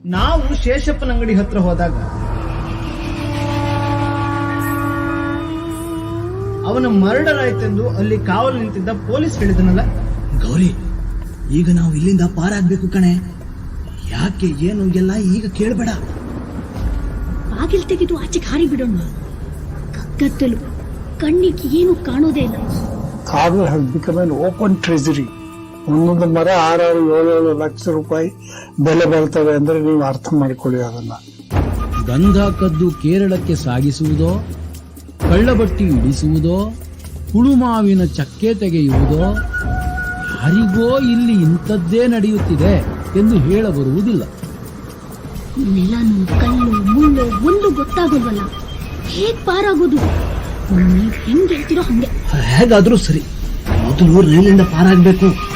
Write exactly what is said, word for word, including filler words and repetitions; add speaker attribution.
Speaker 1: ನಾವು ಶೇಷಪ್ಪನ ಅಂಗಡಿ ಹತ್ರ ಹೋದಾಗ ಅವನ ಮರ್ಡರ್ ಆಯ್ತೆಂದು ಅಲ್ಲಿ ಕಾವಲು ನಿಂತಿದ್ದ ಪೊಲೀಸ್ ಹೇಳಿದನಲ್ಲ.
Speaker 2: ಗೌರಿ, ಈಗ ನಾವು ಇಲ್ಲಿಂದ ಪಾರಾಗ್ಬೇಕು ಕಣೆ. ಯಾಕೆ ಏನು ಎಲ್ಲ ಈಗ ಕೇಳಬೇಡ.
Speaker 3: ಬಾಗಿಲು ತೆಗೆದು ಆಚೆಗೆ ಹಾರಿ ಬಿಡೋಣ. ಕಗ್ಗತ್ತಲು, ಕಣ್ಣಿಗೆ ಏನು ಕಾಣೋದೇ ಇಲ್ಲ.
Speaker 4: Corner has become an open treasury. ಒಂದೊಂದು ಮರ ಆರಾರು ಏಳೇಳು ಲಕ್ಷ ರೂಪಾಯಿ ಬೆಲೆ ಬರ್ತವೆ ಅಂದ್ರೆ ನೀವು ಅರ್ಥ ಮಾಡಿಕೊಳ್ಳಿ ಅದನ್ನ.
Speaker 5: ಗಂಧ ಕದ್ದು ಕೇರಳಕ್ಕೆ ಸಾಗಿಸುವುದೋ, ಕಳ್ಳಬಟ್ಟಿ ಇಡಿಸುವುದೋ, ಕುಳುಮಾವಿನ ಚಕ್ಕೆ ತೆಗೆಯುವುದೋ, ಯಾರಿಗೋ ಇಲ್ಲಿ ಇಂಥದ್ದೇ ನಡೆಯುತ್ತಿದೆ ಎಂದು ಹೇಳಬರುವುದಿಲ್ಲ.
Speaker 3: ನೆಲನು ಕಲ್ಲು ಮುಳ್ಳು ಒಂದು ಗೊತ್ತಾಗೋಲ್ವಲ್ಲ, ಹೇಗ್ ಪಾರಾಗೋದು? ನೀವ್ ಹೆಂಗ್ ಹೇಳ್ತಿರೋ ಹಂಗೆ.
Speaker 2: ಹೇಗಾದ್ರೂ ಸರಿ, ಮೊದಲು ರೈಲಿಂದ ಪಾರಾಗ್ಬೇಕು.